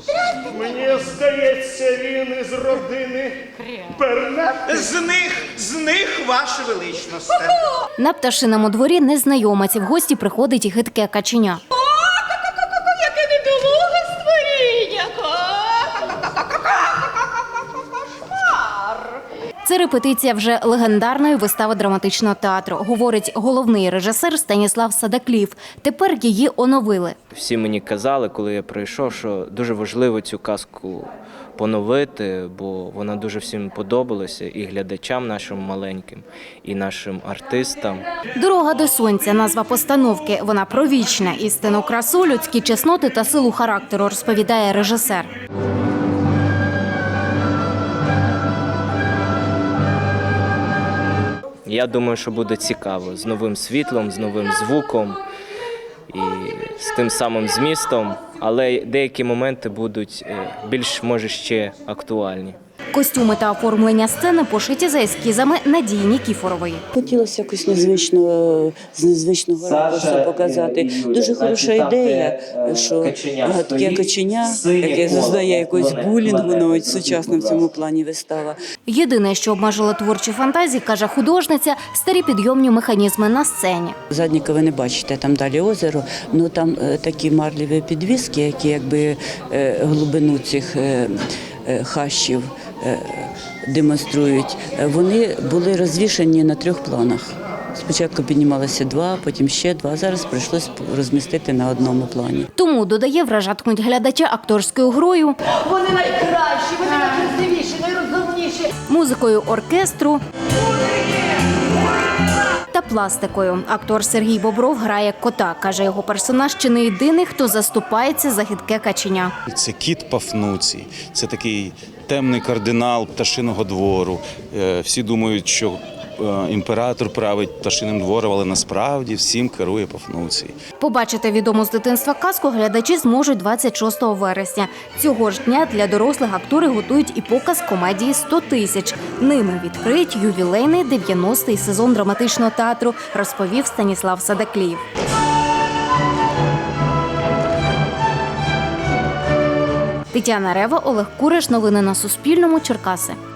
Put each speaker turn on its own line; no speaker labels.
Мені здається, він із родини Бернет.
З них, ваше величність.
На пташиному дворі незнайомець, в гості приходить і хитке каченя.
Яке недолуге створіння!
Це репетиція вже легендарної вистави драматичного театру, говорить головний режисер Станіслав Садакліїв. Тепер її оновили.
Всі мені казали, коли я прийшов, що дуже важливо цю казку поновити, бо вона дуже всім подобалася, і глядачам нашим маленьким, і нашим артистам.
«Дорога до сонця» – назва постановки. Вона про вічне, істинну красу, людські чесноти та силу характеру, розповідає режисер.
Я думаю, що буде цікаво, з новим світлом, з новим звуком і з тим самим змістом, але деякі моменти будуть більш, може, ще актуальні.
Костюми та оформлення сцени пошиті за ескізами Надії Нікіфорової.
Хотілося якось з незвичного ракурсу показати. Дуже хороша ідея, що таке каченя, яке зазнає якогось булінгу, навіть сучасно в цьому плані вистава.
Єдине, що обмежило творчі фантазії, каже художниця, старі підйомні механізми на сцені.
Задніка ви не бачите, там далі озеро, але там такі марлеві підвіски, які якби глибину цих хащів демонструють. Вони були розвішані на 3 планах. Спочатку піднімалося 2, потім ще 2. Зараз прийшлося розмістити на одному плані.
Тому, додає, вражатимуть глядача акторською грою,
Вони найкращі, вони найкрасивіші, найрозумніші.
музикою оркестру та пластикою. Актор Сергій Бобров грає кота. Каже, його персонаж чи не єдиний, хто заступається за хитке каченя.
Це кіт Пафнуцій, це такий темний кардинал пташиного двору. Всі думають, що імператор править пташиним двором, але насправді всім керує Пафнуцій.
Побачити відому з дитинства казку глядачі зможуть 26 вересня. Цього ж дня для дорослих актори готують і показ комедії «100 тисяч». Ними відкриють ювілейний 90-й сезон драматичного театру, розповів Станіслав Садакліїв. Тетяна Рева, Олег Кураш. Новини на Суспільному. Черкаси.